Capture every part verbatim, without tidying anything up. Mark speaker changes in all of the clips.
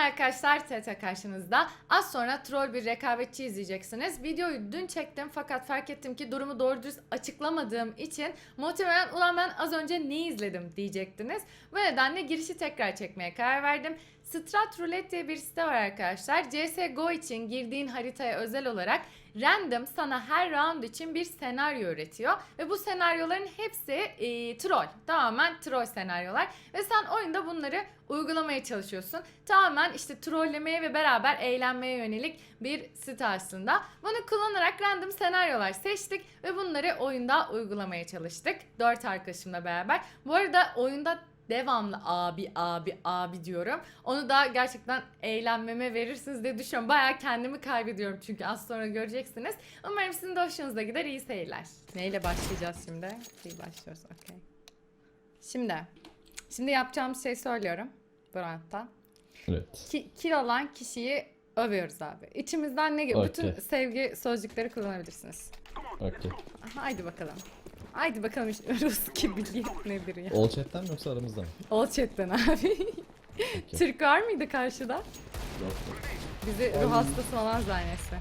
Speaker 1: arkadaşlar, Tete karşınızda. Az sonra troll bir rekabetçi izleyeceksiniz. Videoyu dün çektim fakat fark ettim ki durumu doğru düz açıklamadığım için muhtemelen ulan ben az önce ne izledim diyecektiniz. Bu nedenle girişi tekrar çekmeye karar verdim. Strat Roulette diye bir site var arkadaşlar. C S G O için girdiğin haritaya özel olarak random sana her round için bir senaryo üretiyor. Ve bu senaryoların hepsi e, troll. Tamamen troll senaryolar. Ve sen oyunda bunları uygulamaya çalışıyorsun. Tamamen işte trollemeye ve beraber eğlenmeye yönelik bir site aslında. Bunu kullanarak random senaryolar seçtik ve bunları oyunda uygulamaya çalıştık. Dört arkadaşımla beraber. Bu arada oyunda devamlı abi abi abi diyorum. Onu da gerçekten eğlenmeme verirsiniz diye düşünüyorum. Bayağı kendimi kaybediyorum çünkü az sonra göreceksiniz. Umarım sizin de hoşunuza gider. İyi seyirler. Neyle başlayacağız şimdi? İyi başlıyoruz. Okey. Şimdi. Şimdi yapacağımız şeyi söylüyorum. Brandt'tan.
Speaker 2: Evet.
Speaker 1: Ki, kill olan kişiyi övüyoruz abi. İçimizden ne gibi?
Speaker 2: Okay.
Speaker 1: Bütün sevgi sözcükleri kullanabilirsiniz.
Speaker 2: Okey.
Speaker 1: Haydi bakalım. Haydi bakalım işte Rus gibi nedir ya?
Speaker 2: All chat'ten mi yoksa aramızda mı?
Speaker 1: All chat'ten abi.
Speaker 2: Okay.
Speaker 1: Türk var mıydı karşıda?
Speaker 2: Yok.
Speaker 1: Bizi ruh hastası falan zannetse.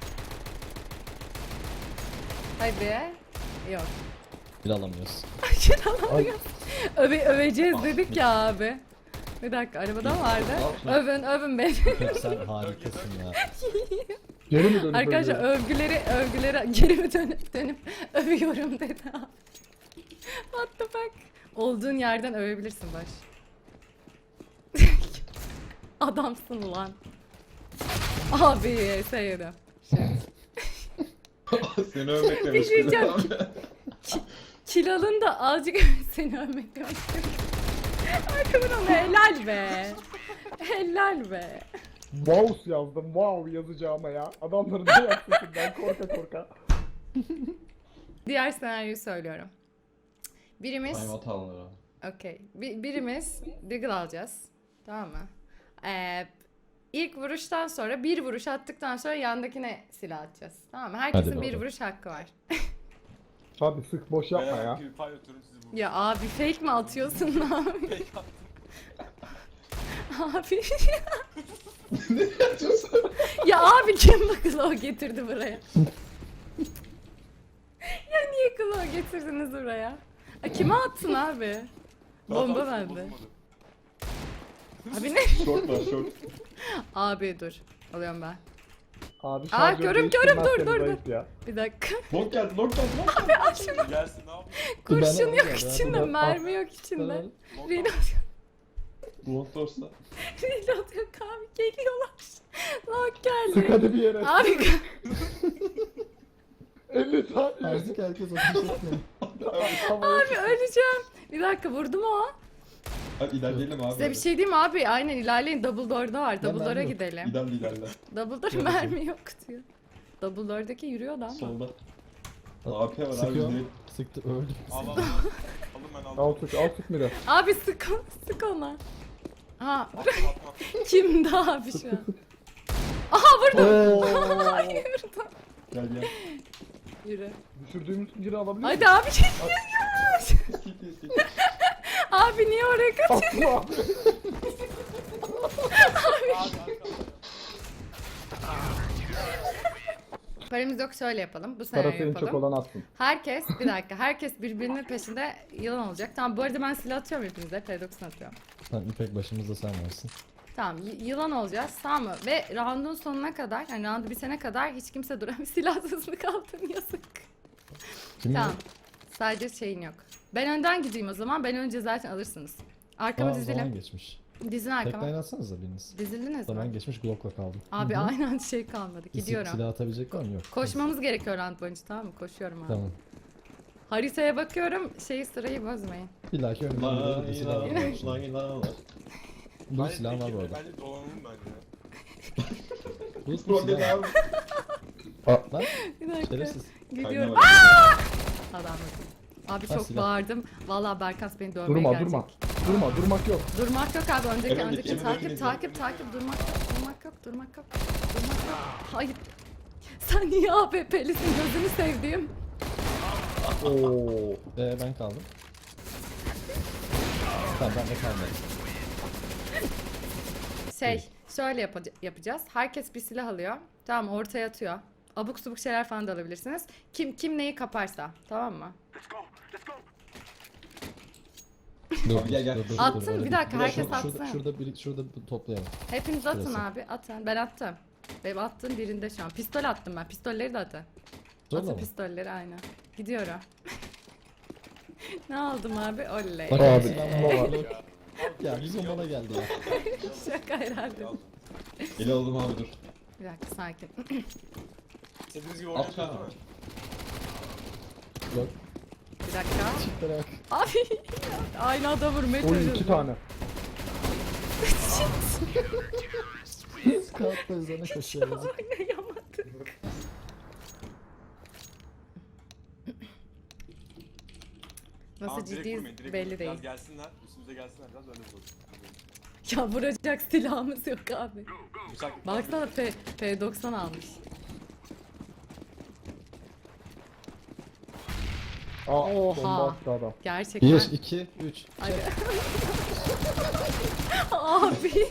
Speaker 1: Hadi. Yok.
Speaker 2: Bir alamıyoruz.
Speaker 1: Alamıyoruz. Öve, öveceğiz dedik ya abi. Bir dakika arabada vardı. Övün övün beni.
Speaker 2: Sen harikasın ya.
Speaker 3: Geri mi dönüp
Speaker 1: Arkadaşlar
Speaker 3: öyle?
Speaker 1: övgüleri övgüleri geri mi dönüp dönüp övüyorum dedi abi. What the fuck? Olduğun yerden övebilirsin baş. Adamsın lan. Abi sevdim.
Speaker 3: Seni övmek
Speaker 1: Bir
Speaker 3: demiş.
Speaker 1: şey diyeceğim. Ki- Kilalın da azıcık seni övmek demek istiyorum. Arkamdan ona helal be. Helal be.
Speaker 3: Wow yazdım. Wow yazacağıma ya. Adamların ne yapsın ben korka korka.
Speaker 1: Diğer senaryoyu söylüyorum. Birimiz
Speaker 2: Time out alınır.
Speaker 1: okey. Bir, birimiz Deagle alacağız. Tamam mı? Ee, ilk vuruştan sonra bir vuruş attıktan sonra yandakine silah atacağız. Tamam mı? Herkesin
Speaker 2: Hadi
Speaker 1: bir
Speaker 2: bakalım.
Speaker 1: vuruş hakkı var.
Speaker 3: Hadi sık boş yapma ya.
Speaker 1: Ya abi fake mi atıyorsun lan? Abi. Ya abi kim bu Claw getirdi buraya? Ya niye Claw getirdiniz buraya? A, kime attın abi? Bomba bende. Abi ne?
Speaker 3: Short var short.
Speaker 1: Abi dur. Alıyorum ben.
Speaker 3: Abi
Speaker 1: Aa,
Speaker 3: şarjör
Speaker 1: görüm, görüm, dur,
Speaker 3: değiştirmezseniz
Speaker 1: dur, dur.
Speaker 3: ayıp ya.
Speaker 1: Bir dakika.
Speaker 3: Long geldi long geldi long.
Speaker 1: Abi al şunu.
Speaker 4: Gelsin ne yapayım?
Speaker 1: Kurşun
Speaker 2: Ben
Speaker 1: yok
Speaker 2: alayım ya,
Speaker 1: içinde,
Speaker 2: ben-
Speaker 1: mermi yok içinde.
Speaker 2: Ben-
Speaker 1: Reload,
Speaker 3: Long sorsa.
Speaker 1: reload yok abi, geliyorlar. Lock
Speaker 3: Sık
Speaker 1: geldi.
Speaker 3: hadi bir yere.
Speaker 1: Abi
Speaker 3: elli tane.
Speaker 2: Artık herkes okumuş etmiyor.
Speaker 1: abi öleceğim. Bir dakika vurdu mu o?
Speaker 4: Hadi ilerleyelim abi.
Speaker 1: Size bir şey diyeyim mi abi? Aynen ilerleyin. Double door'da var. Double door'a
Speaker 2: mermi yok.
Speaker 1: gidelim.
Speaker 4: İlerle ilerle.
Speaker 1: Double door mermi yok diyor. Double door'daki yürüyor da ama.
Speaker 4: Solda. A P var abi.
Speaker 2: Sıkıyor.
Speaker 4: direkt.
Speaker 2: Sıktı öldü.
Speaker 4: Al al al. Alın ben aldım.
Speaker 3: Al sık al sık mira.
Speaker 1: Abi sık, sık ona. Ha,
Speaker 4: Atma atma.
Speaker 1: kimdi abi şu an? Aha vurdum.
Speaker 3: Oo.
Speaker 1: Hayır.
Speaker 4: Gel gel.
Speaker 1: Yürü.
Speaker 3: Düşürdüğümüz geri alabilir miyim?
Speaker 1: Hadi abi şey.
Speaker 4: Skip skip.
Speaker 1: Abi niye oraya kaçıyorsun?
Speaker 3: Atma abi.
Speaker 1: Paramız yok, şöyle yapalım. Bu
Speaker 3: Parası
Speaker 1: senaryo
Speaker 3: en çok
Speaker 1: yapalım.
Speaker 3: olan atsın.
Speaker 1: Herkes bir dakika. Herkes birbirinin peşinde yılan olacak. Tamam bu arada ben silah atıyorum hepinize. P doksan atıyorum.
Speaker 2: Tamam İpek başımızda sen varsın.
Speaker 1: Tamam y- yılan olacağız tamam mı? Ve round'un sonuna kadar yani roundu bitene kadar hiç kimse duramıyor. Silahsızlık aldın yazık.
Speaker 2: Kim
Speaker 1: Tamam. Sadece şeyin yok. Ben önden gideyim o zaman. Ben önce zaten alırsınız. Arkamı
Speaker 2: Aa, zaman
Speaker 1: dizelim.
Speaker 2: geçmiş.
Speaker 1: Dizin
Speaker 2: Tek
Speaker 1: arkama.
Speaker 2: line atsanıza biriniz.
Speaker 1: Dizildiniz
Speaker 2: Zaman
Speaker 1: mi?
Speaker 2: geçmiş Glock'la kaldım.
Speaker 1: Abi
Speaker 2: Hı hı.
Speaker 1: aynen şey kalmadı.
Speaker 2: Bir
Speaker 1: Gidiyorum.
Speaker 2: Silah atabilecek var mı? Yok.
Speaker 1: Koşmamız gerekiyor round boyunca tamam mı? Koşuyorum abi.
Speaker 2: Tamam.
Speaker 1: Haritaya bakıyorum. Şeyi sırayı bozmayın.
Speaker 2: Bir dahaki önümde bir silah var.
Speaker 4: Lan ilan var.
Speaker 2: Bu silah var bu arada.
Speaker 4: Bence dolanalım bence.
Speaker 2: Bu
Speaker 4: Roket
Speaker 2: silah var.
Speaker 4: abi.
Speaker 2: Lan
Speaker 1: Bir dakika.
Speaker 2: şerefsiz.
Speaker 1: Gidiyorum.
Speaker 4: Kaynağı
Speaker 1: Adam Abi
Speaker 2: Ha,
Speaker 1: çok
Speaker 2: silah.
Speaker 1: bağırdım. Vallahi Berkas beni dövmeye
Speaker 3: Durma
Speaker 1: gelecek.
Speaker 3: durma. Durma durmak yok.
Speaker 1: Durmak yok abi. Önceki
Speaker 4: Emin
Speaker 1: önceki
Speaker 4: değil, emin
Speaker 1: takip
Speaker 4: değil.
Speaker 1: takip takip durmak yok. Durmak yok. Durmak yok. Durmak yok. Hayır. Sen niye A P P'lisin gözünü sevdiğim?
Speaker 3: Oo.
Speaker 2: Ee, ben kaldım. Tamam ben de kalmadım.
Speaker 1: Şey şöyle yapa- yapacağız. Herkes bir silah alıyor. Tamam, ortaya atıyor. Abuk subuk şeyler falan da alabilirsiniz. Kim kim neyi kaparsa. Tamam mı?
Speaker 2: Dur,
Speaker 4: Abi gel, gel.
Speaker 2: dur, dur,
Speaker 1: Attın,
Speaker 2: dur, öyle
Speaker 1: bir
Speaker 2: değil.
Speaker 1: dakika,
Speaker 2: Şurada-
Speaker 1: herkes
Speaker 2: şurada,
Speaker 1: atsın.
Speaker 2: Şurada, bir, şurada bir toplayalım.
Speaker 1: Hepiniz atın
Speaker 2: Şurası.
Speaker 1: abi. Atın. Ben attım. Benim attığım birinde şu an. Pistol attım ben. Pistolleri de atın.
Speaker 2: Zorla
Speaker 1: Atın
Speaker 2: mı?
Speaker 1: pistolleri aynen. Gidiyorum. Ne aldım abi? Oley.
Speaker 2: Bak
Speaker 3: Abi,
Speaker 2: abi silah var.
Speaker 3: var.
Speaker 2: Yok. Ya bizim bana geldi ya.
Speaker 1: Şaka herhalde.
Speaker 4: Eli aldım abi dur.
Speaker 1: Bir dakika, sakin.
Speaker 4: İstediğiniz gibi
Speaker 2: At
Speaker 4: oynayacağız
Speaker 2: ha.
Speaker 4: değil mi?
Speaker 2: Yok.
Speaker 1: Bir dakika.
Speaker 2: Çiftlere bak.
Speaker 1: Abi aynı adam vurmaya
Speaker 3: Oy
Speaker 1: çalışıyorum.
Speaker 3: iki tane.
Speaker 2: Kağıtla üzerine koşuyor. yazık.
Speaker 1: Oynayamadık. Nasıl
Speaker 4: Tamam, direkt
Speaker 1: ciddiyiz
Speaker 4: vurmayın, direkt
Speaker 1: belli
Speaker 4: vurmayın.
Speaker 1: değil.
Speaker 4: Biraz gelsinler, üstümüze gelsinler biraz öyle vuralım.
Speaker 1: Ya vuracak silahımız yok abi.
Speaker 4: Bıçak.
Speaker 1: Baksana P, P doksan almış.
Speaker 3: Aa,
Speaker 1: Oha.
Speaker 3: bomba attı adam.
Speaker 1: Gerçekten.
Speaker 2: bir, iki, üç.
Speaker 1: Hadi. Abi.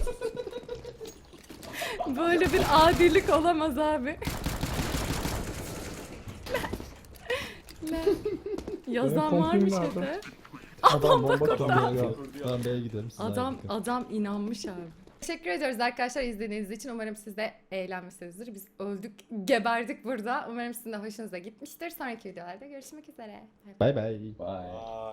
Speaker 1: Böyle bir adilik olamaz abi. Ne? Yazan
Speaker 3: Benim
Speaker 1: varmış
Speaker 3: konfim
Speaker 1: öte.
Speaker 3: Adam bomba
Speaker 2: Tamam
Speaker 3: kurdu
Speaker 2: B'ye
Speaker 3: ya.
Speaker 2: gidelim. Tamam B'ye gidelim. siz
Speaker 1: Adam
Speaker 2: A'ya gidin.
Speaker 1: adam inanmış abi. Teşekkür ediyoruz arkadaşlar izlediğiniz için. Umarım siz de eğlenmişsinizdir. Biz öldük, geberdik burada. Umarım sizin de hoşunuza gitmiştir. Sonraki videolarda görüşmek üzere. Bay bay.
Speaker 2: Bye bye.
Speaker 4: Bye.